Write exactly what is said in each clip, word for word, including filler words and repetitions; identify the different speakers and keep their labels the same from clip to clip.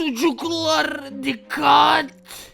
Speaker 1: Çocuklar dikkat!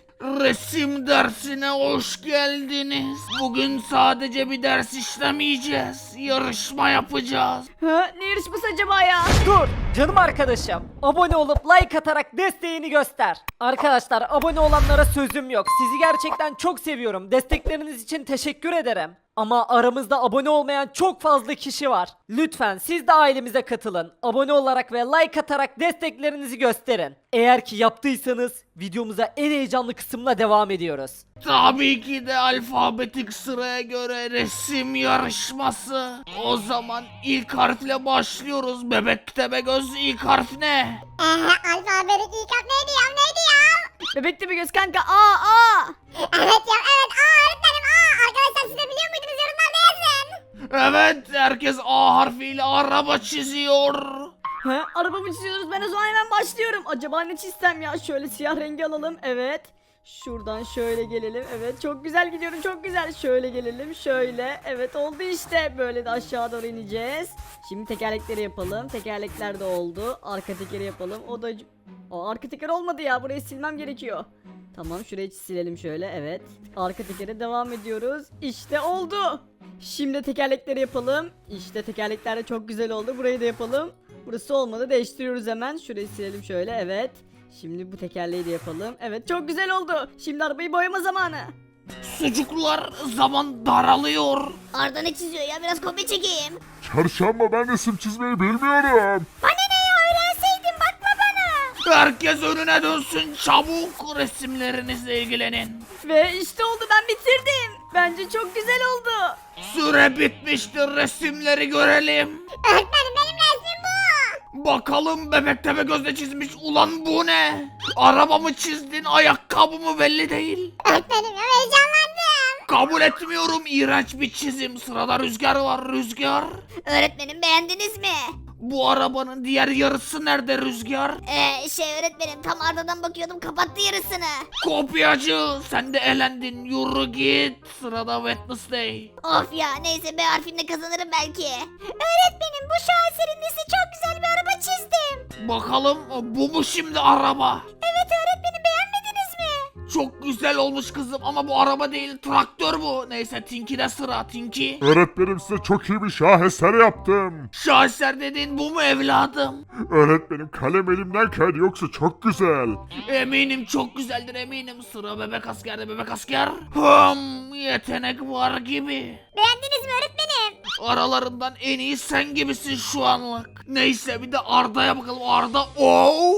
Speaker 1: Resim dersine hoş geldiniz. Bugün sadece bir ders işlemeyeceğiz. Yarışma yapacağız.
Speaker 2: Ha, ne yarışması acaba ya?
Speaker 3: Dur canım arkadaşım. Abone olup like atarak desteğini göster. Arkadaşlar abone olanlara sözüm yok. Sizi gerçekten çok seviyorum. Destekleriniz için teşekkür ederim. Ama aramızda abone olmayan çok fazla kişi var. Lütfen siz de ailemize katılın. Abone olarak ve like atarak desteklerinizi gösterin. Eğer ki yaptıysanız videomuza en heyecanlı kısımla devam ediyoruz.
Speaker 1: Tabii ki de alfabetik sıraya göre resim yarışması. O zaman ilk harfle başlıyoruz. Bebek Tepegöz ilk harf ne?
Speaker 4: Ee, alfabetik ilk harf neydi ya neydi ya?
Speaker 2: Bebekte bir göz kanka. Aa aa.
Speaker 4: Evet ya evet aa öğretmenim aa. Arkadaşlar siz de biliyor muydunuz yorumlarda yazın.
Speaker 1: Evet, herkes A harfiyle araba çiziyor.
Speaker 2: Ha, arabamı çiziyoruz. Ben o zaman hemen başlıyorum. Acaba ne çizsem ya? Şöyle siyah rengi alalım. Evet. Şuradan şöyle gelelim. Evet, çok güzel gidiyorum. Çok güzel. Şöyle gelelim. Şöyle. Evet, oldu işte. Böyle de aşağı doğru ineceğiz. Şimdi tekerlekleri yapalım. Tekerlekler de oldu. Arka tekeri yapalım. O da... Aa, arka teker olmadı ya. Burayı silmem gerekiyor. Tamam, şurayı silelim şöyle. Evet. Arka tekere devam ediyoruz. İşte oldu. Şimdi tekerlekleri yapalım. İşte tekerlekler de çok güzel oldu. Burayı da yapalım. Burası olmadı. Değiştiriyoruz hemen. Şurayı silelim şöyle. Evet. Şimdi bu tekerleği de yapalım. Evet, çok güzel oldu. Şimdi arabayı boyama zamanı.
Speaker 1: Çocuklar, zaman daralıyor.
Speaker 4: Arda ne çiziyor ya biraz kopya çekeyim.
Speaker 5: Çarşamba ben resim çizmeyi bilmiyorum.
Speaker 4: Bana ne ya öğrenseydin bakma bana.
Speaker 1: Herkes önüne dönsün, çabuk resimlerinizle ilgilenin.
Speaker 2: Ve işte oldu, ben bitirdim. Bence çok güzel oldu.
Speaker 1: Süre bitmiştir, resimleri görelim.
Speaker 4: Öğretmenim benim resmim bu.
Speaker 1: Bakalım Bebek Tepegöz ne çizmiş, ulan bu ne? Araba mı çizdin, ayakkabı mı belli değil.
Speaker 4: Öğretmenim ya heyecanlandım.
Speaker 1: Kabul etmiyorum, iğrenç bir çizim. Sırada Rüzgar var. Rüzgar.
Speaker 4: Öğretmenim beğendiniz mi?
Speaker 1: Bu arabanın diğer yarısı nerede Rüzgar?
Speaker 4: Ee, şey öğretmenim tam Arda'dan bakıyordum kapattı yarısını.
Speaker 1: Kopyacı, sen de elendin, yürü git. Sırada Wednesday.
Speaker 4: Of ya neyse B harfinde kazanırım belki. Öğretmenim bu şaheserin nesi çok güzel bir araba çizdim.
Speaker 1: Bakalım bu mu şimdi araba?
Speaker 4: Evet öğretmenim beğenmediniz mi?
Speaker 1: Çok güzel olmuş kızım ama bu araba değil, traktör bu. Neyse Tinky'de sıra, Tinky.
Speaker 5: Öğretmenim size çok iyi bir şaheser yaptım.
Speaker 1: Şaheser dediğin bu mu evladım?
Speaker 5: Öğretmenim kalem elimden kaydı yoksa çok güzel.
Speaker 1: Eminim çok güzeldir, eminim. Sıra bebek askerde, bebek asker. Hım, yetenek var gibi.
Speaker 4: Beğendiniz mi öğretmenim?
Speaker 1: Aralarından en iyi sen gibisin şu anlık. Neyse bir de Arda'ya bakalım. Arda, ooo.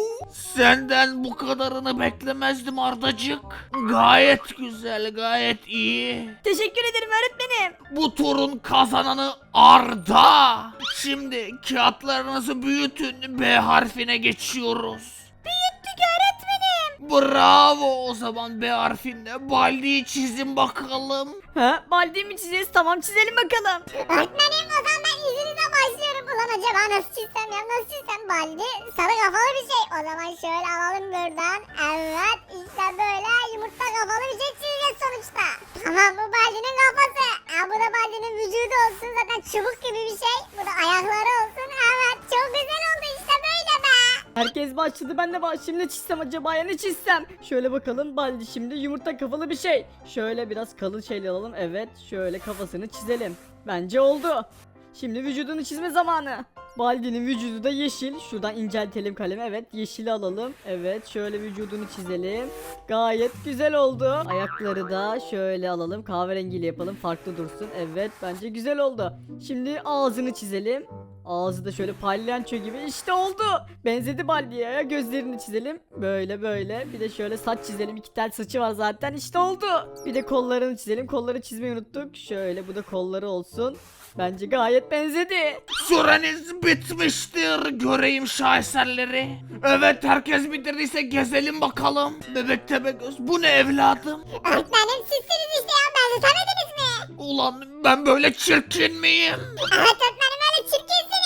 Speaker 1: Senden bu kadarını beklemezdim Ardacık. Gayet güzel, gayet iyi.
Speaker 2: Teşekkür ederim öğretmenim.
Speaker 1: Bu turun kazananı Arda. Şimdi kağıtlarınızı büyütün, B harfine geçiyoruz.
Speaker 4: Büyüttük öğretmenim.
Speaker 1: Bravo, o zaman B harfinde Baldi'yi çizin bakalım.
Speaker 2: Ha, baldi mi çizeceğiz? Tamam, çizelim bakalım.
Speaker 4: Öğretmenim o zaman ben izninizle başlıyorum. Ulan acaba nasıl çizsem ya nasıl çizsem baldi? Sarı kafalı bir şey. O zaman şöyle alalım buradan. Evet işte böyle yumurta kafalı bir şey çizeceğiz sonuçta. Tamam bu baldinin kafası. Ha, bu da baldinin vücudu olsun zaten çubuk gibi bir şey. Bu da ayakları olsun. Evet çok güzel oldu işte böyle be.
Speaker 2: Herkes başladı, ben de baş. Şimdi ne çizsem acaba ya, ne çizsem? Şöyle bakalım, baldi şimdi yumurta kafalı bir şey. Şöyle biraz kalın şeyler alalım. Evet, şöyle kafasını çizelim. Bence oldu. Şimdi vücudunu çizme zamanı. Baldi'nin vücudu da yeşil. Şuradan inceltelim kalemi. Evet, yeşili alalım. Evet, şöyle vücudunu çizelim. Gayet güzel oldu. Ayakları da şöyle alalım. Kahverengiyle yapalım. Farklı dursun. Evet, bence güzel oldu. Şimdi ağzını çizelim. Ağzı da şöyle palyaço gibi. İşte oldu. Benzedi Baldi'ye ya. Gözlerini çizelim. Böyle böyle. Bir de şöyle saç çizelim. İki tel saçı var zaten. İşte oldu. Bir de kollarını çizelim. Kolları çizmeyi unuttuk. Şöyle bu da kolları olsun. Bence gayet benzedi.
Speaker 1: Süreniz bitmiştir. Göreyim şaheserleri. Evet, herkes bitirdiyse gezelim bakalım. Bebek Tepegöz, bu ne evladım?
Speaker 4: Öğretmenim sizsiniz işte ya benzetemediniz mi?
Speaker 1: Ulan ben böyle çirkin miyim?
Speaker 4: Evet öğretmenim öyle çirkinsiniz.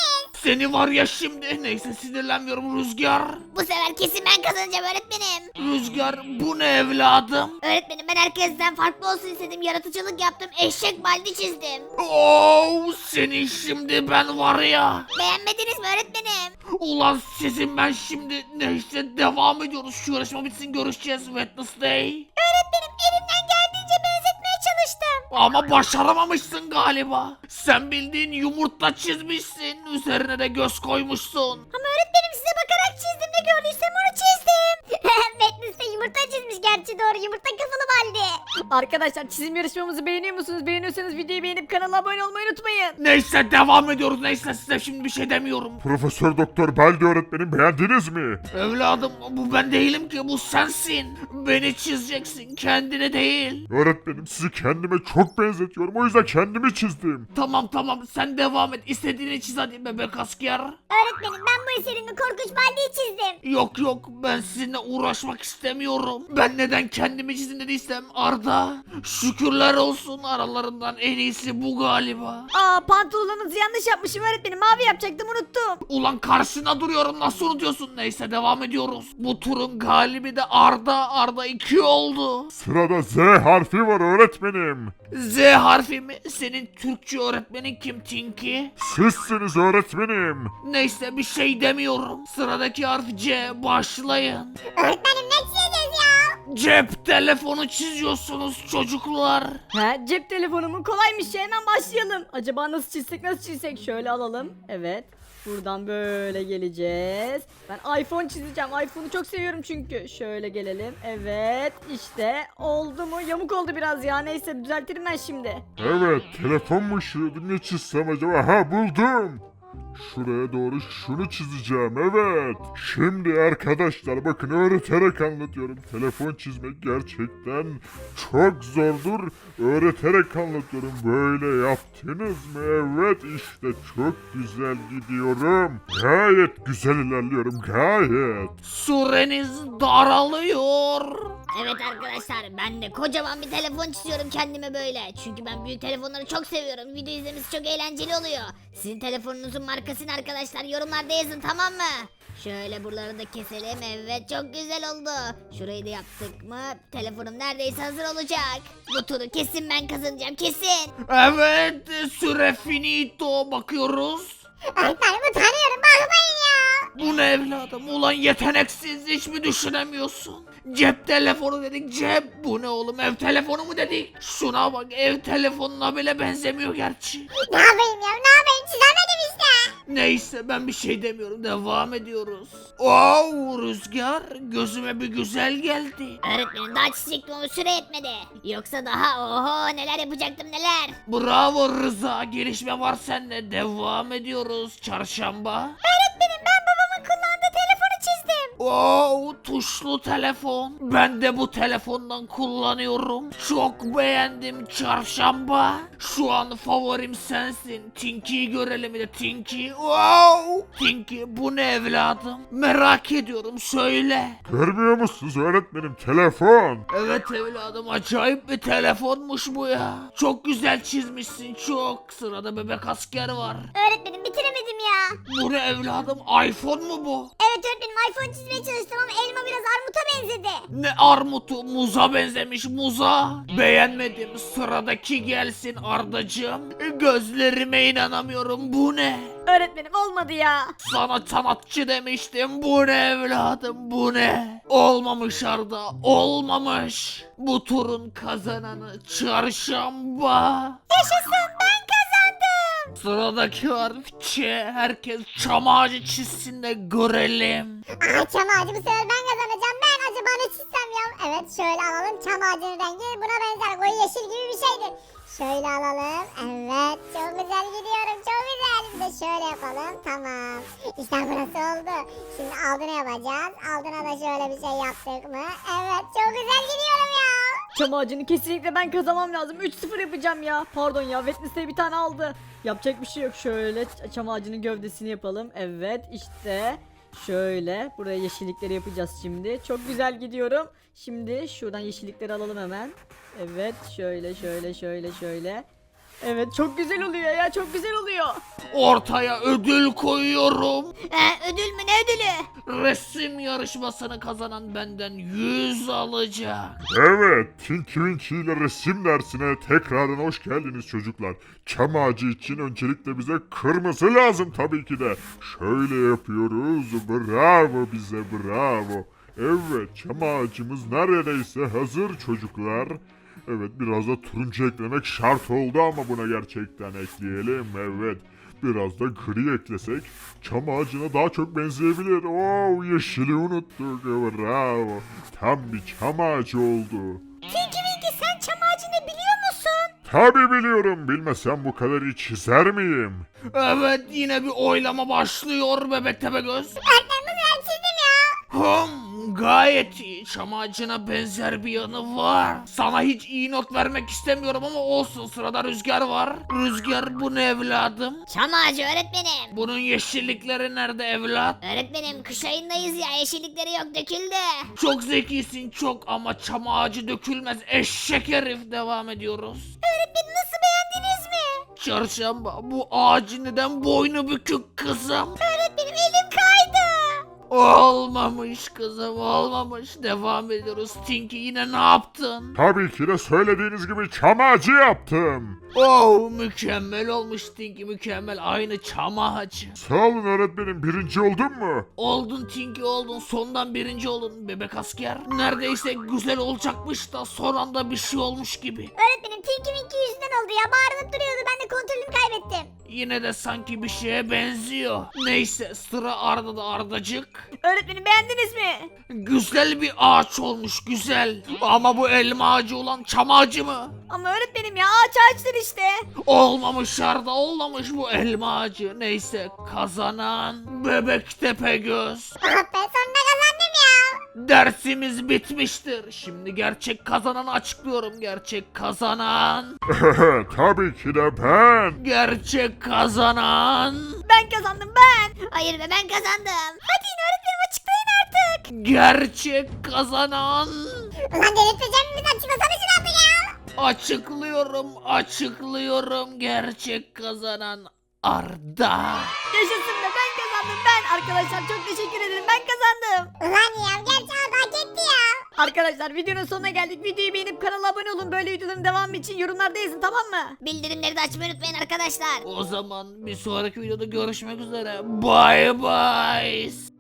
Speaker 1: Seni var ya şimdi. Neyse sinirlenmiyorum Rüzgar.
Speaker 4: Bu sefer kesin ben kazanacağım öğretmenim.
Speaker 1: Rüzgar bu ne evladım?
Speaker 4: Öğretmenim ben herkesten farklı olsun istedim. Yaratıcılık yaptım. Eşek baldi çizdim.
Speaker 1: Oo, seni şimdi ben var ya.
Speaker 4: Beğenmediniz mi öğretmenim?
Speaker 1: Ulan sizin ben şimdi neyse devam ediyoruz. Şu yarışma bitsin görüşeceğiz Wednesday.
Speaker 4: Öğretmenim elimden geldiğince benzetmeye çalıştım.
Speaker 1: Ama başaramamışsın galiba. Sen bildiğin yumurta çizmişsin. Üzerine de göz koymuşsun.
Speaker 4: Ama öğretmenim size bakarak çizdim ne gördüysem onu çizdim. Wednesday yumurta çizmiş gerçi doğru yumurta kafalı baldi.
Speaker 2: Arkadaşlar çizim yarışmamızı beğeniyor musunuz? Beğeniyorsanız videoyu beğenip kanala abone olmayı unutmayın.
Speaker 1: Neyse devam ediyoruz. Neyse size şimdi bir şey demiyorum.
Speaker 5: Profesör Doktor Baldi öğretmenim beğendiniz mi?
Speaker 1: Evladım bu ben değilim ki bu sensin. Beni çizeceksin kendine değil.
Speaker 5: Öğretmenim sizi kendime çok benzetiyorum. O yüzden kendimi çizdim.
Speaker 1: Tamam tamam sen devam et. İstediğini çiz hadi bebek asker.
Speaker 4: Öğretmenim ben bu eserimde korkunç baldiyi çizdim.
Speaker 1: Yok yok ben sizinle uğraşmak istemiyorum. Ben neden kendimi çizin dediysem Arda. Şükürler olsun aralarından en iyisi bu galiba.
Speaker 2: Aa pantolonunuzu yanlış yapmışım öğretmenim. Mavi yapacaktım unuttum.
Speaker 1: Ulan karşına duruyorum nasıl unutuyorsun? Neyse devam ediyoruz. Bu turun galibi de Arda. Arda iki oldu.
Speaker 5: Sırada Z harfi var öğretmenim.
Speaker 1: Z harfi mi? Senin Türkçe öğretmenin kim Tinky?
Speaker 5: Sizsiniz öğretmenim.
Speaker 1: Neyse bir şey demiyorum. Sıradaki harf C. Başlayın.
Speaker 4: Öğretmenim ne çizeceğiz ya?
Speaker 1: Cep telefonu çiziyorsunuz çocuklar.
Speaker 2: He cep telefonumu kolaymış ya hemen başlayalım. Acaba nasıl çizsek nasıl çizsek şöyle alalım. Evet. Buradan böyle geleceğiz. Ben iPhone çizeceğim. iPhone'u çok seviyorum çünkü. Şöyle gelelim. Evet işte oldu mu? Yamuk oldu biraz ya. Neyse düzeltirim ben şimdi.
Speaker 5: Evet telefon mu ışığıydı ne çizsem acaba? Ha buldum. Şuraya doğru şunu çizeceğim evet. Şimdi arkadaşlar bakın öğreterek anlatıyorum. Telefon çizmek gerçekten çok zordur. Öğreterek anlatıyorum. Böyle yaptınız mı? Evet işte çok güzel gidiyorum. Gayet güzel ilerliyorum gayet.
Speaker 1: Süreniz daralıyor.
Speaker 4: Evet arkadaşlar ben de kocaman bir telefon çiziyorum kendime böyle. Çünkü ben büyük telefonları çok seviyorum. Video izlemesi çok eğlenceli oluyor. Sizin telefonunuzun markasını arkadaşlar yorumlarda yazın tamam mı? Şöyle buraları da keselim. Evet çok güzel oldu. Şurayı da yaptık mı? Telefonum neredeyse hazır olacak. Bu turu kesin ben kazanacağım kesin.
Speaker 1: Evet süre finito bakıyoruz.
Speaker 4: Öğretmenim utanıyorum bakmayın ya.
Speaker 1: Bu ne evladım? Ulan yeteneksiz hiç mi düşünemiyorsun? Cep telefonu dedik cep. Bu ne oğlum ev telefonu mu dedik? Şuna bak ev telefonuna bile benzemiyor gerçi.
Speaker 4: Ne yapayım ya ne yapayım çizemedim işte.
Speaker 1: Neyse ben bir şey demiyorum devam ediyoruz. Oo Rüzgar gözüme bir güzel geldi.
Speaker 4: Öğretmenim daha çizecektim ama süre yetmedi. Yoksa daha oho neler yapacaktım neler.
Speaker 1: Bravo Rıza gelişme var seninle devam ediyoruz çarşamba.
Speaker 4: Öğretmenim ben babamın kullandığı telefonu çizdim.
Speaker 1: Oo tuşlu telefon. Ben de bu telefondan kullanıyorum. Çok beğendim çarşamba. Şu an favorim sensin. Tinky'yi görelim bir de Tinky. Wow. Tinky bu ne evladım? Merak ediyorum söyle.
Speaker 5: Görmüyor musunuz öğretmenim telefon?
Speaker 1: Evet evladım acayip bir telefonmuş bu ya. Çok güzel çizmişsin çok. Sırada bebek asker var.
Speaker 4: Öğretmenim bitiremedim ya.
Speaker 1: Bu ne evladım? iPhone mu bu?
Speaker 4: Evet öğretmenim iPhone çizmeye çalıştım ama elma biraz armuta benzedi.
Speaker 1: Ne armutu muza benzemiş muza. Beğenmedim sıradaki gelsin Ardacığım. Gözlerime inanamıyorum bu ne?
Speaker 2: Öğretmenim olmadı ya.
Speaker 1: Sana sanatçı demiştim bu ne evladım bu ne? Olmamış Arda olmamış. Bu turun kazananı çarşamba.
Speaker 4: Yaşasın ben kazandım.
Speaker 1: Sıradaki harf Ç. Herkes çam ağacı çizsin de görelim.
Speaker 4: Aa çam ağacı bu sefer ben kazanacağım. Ben acaba ne çizsem ya? Evet şöyle alalım çam ağacının rengi buna benzer koyu yeşil gibi bir şeydir. Şöyle alalım. Evet çok güzel gidiyorum çok güzel. Bir de şöyle yapalım tamam. İşte burası oldu. Şimdi altına yapacağız. Altına da şöyle bir şey yaptık mı? Evet çok güzel gidiyorum ya.
Speaker 2: Çam ağacını kesinlikle ben kazanmam lazım. üç sıfır yapacağım ya. Pardon ya. Wednesday bir tane aldı. Yapacak bir şey yok. Şöyle çam ağacının gövdesini yapalım. Evet işte. Şöyle. Buraya yeşillikleri yapacağız şimdi. Çok güzel gidiyorum. Şimdi şuradan yeşillikleri alalım hemen. Evet şöyle şöyle şöyle şöyle. Evet çok güzel oluyor ya çok güzel oluyor.
Speaker 1: Ortaya ödül koyuyorum.
Speaker 4: Ee, ödül mü ne ödülü?
Speaker 1: Resim yarışmasını kazanan benden yüz alacak.
Speaker 5: Evet, Tinky Winky ile resim dersine tekrardan hoş geldiniz çocuklar. Çam ağacı için öncelikle bize kırmızı lazım tabii ki de. Şöyle yapıyoruz, bravo bize bravo. Evet, çam ağacımız neredeyse hazır çocuklar. Evet, biraz da turuncu eklemek şart oldu ama buna gerçekten ekleyelim, evet. Biraz da gri eklesek çam ağacına daha çok benzeyebilir. Oo, yeşili unuttuk, bravo. Tam bir çam ağacı oldu.
Speaker 4: Tinky Winky sen çam ağacını biliyor musun?
Speaker 5: Tabi biliyorum, bilmesem bu kadar iyi çizer miyim?
Speaker 1: Evet yine bir oylama başlıyor bebek Tepegöz.
Speaker 4: Öğretmenim ben çizdim ya.
Speaker 1: Hım, gayet iyi. Çam ağacına benzer bir yanı var. Sana hiç iyi not vermek istemiyorum ama olsun, sırada Rüzgar var. Rüzgar, bu ne evladım?
Speaker 4: Çam ağacı öğretmenim.
Speaker 1: Bunun yeşillikleri nerede evlat?
Speaker 4: Öğretmenim kış ayındayız ya yeşillikleri yok döküldü.
Speaker 1: Çok zekisin çok ama çam ağacı dökülmez eşek herif. Devam ediyoruz.
Speaker 4: Öğretmenim nasıl beğendiniz mi?
Speaker 1: Çarşamba, bu ağacın neden boynu bükük kızım?
Speaker 4: Öğretmenim elim kaydı.
Speaker 1: Olmamış kızım, olmamış. Devam ediyoruz. Tinky, yine ne yaptın?
Speaker 5: Tabii ki de söylediğiniz gibi çam ağacı yaptım.
Speaker 1: Oh, mükemmel olmuş Tinky, mükemmel. Aynı çam ağacı.
Speaker 5: Sağ olun öğretmenim, birinci oldun mu?
Speaker 1: Oldun Tinky, oldun. Sondan birinci oldun bebek asker. Neredeyse güzel olacakmış da son anda bir şey olmuş gibi.
Speaker 4: Öğretmenim Tinky Winky yüzünden oldu ya bağırıp duruyordu ben de kontrolümü kaybettim.
Speaker 1: Yine de sanki bir şeye benziyor. Neyse, sıra Arda'da. Ardacık.
Speaker 2: Öğretmenim beğendiniz mi?
Speaker 1: Güzel bir ağaç olmuş, güzel. Ama bu elma ağacı olan çam ağacı mı?
Speaker 2: Ama öğretmenim ya ağaç ağaçtır işte.
Speaker 1: Olmamış Arda, olmamış bu elma ağacı. Neyse, kazanan bebek Tepegöz.
Speaker 4: Ah be sonunda kazandım ya.
Speaker 1: Dersimiz bitmiştir. Şimdi gerçek kazananı açıklıyorum. Gerçek kazanan.
Speaker 5: Tabii ki de ben.
Speaker 1: Gerçek kazanan.
Speaker 2: Ben kazandım ben.
Speaker 4: Hayır be ben kazandım. Hadi yine öğretmenim açıklayın artık.
Speaker 1: Gerçek kazanan.
Speaker 4: Ulan delirteceğim mi bizi açıklasana şunu artık ya.
Speaker 1: Açıklıyorum, açıklıyorum. Gerçek kazanan Arda.
Speaker 2: Yaşasın be ben kazandım ben. Arkadaşlar çok teşekkür ederim ben kazandım.
Speaker 4: Ulan ya gerçi Arda hak etti ya.
Speaker 2: Arkadaşlar videonun sonuna geldik. Videoyu beğenip kanala abone olun. Böyle videoların devamı için yorumlarda yazın tamam mı?
Speaker 4: Bildirimleri de açmayı unutmayın arkadaşlar.
Speaker 1: O zaman bir sonraki videoda görüşmek üzere. Bye bye.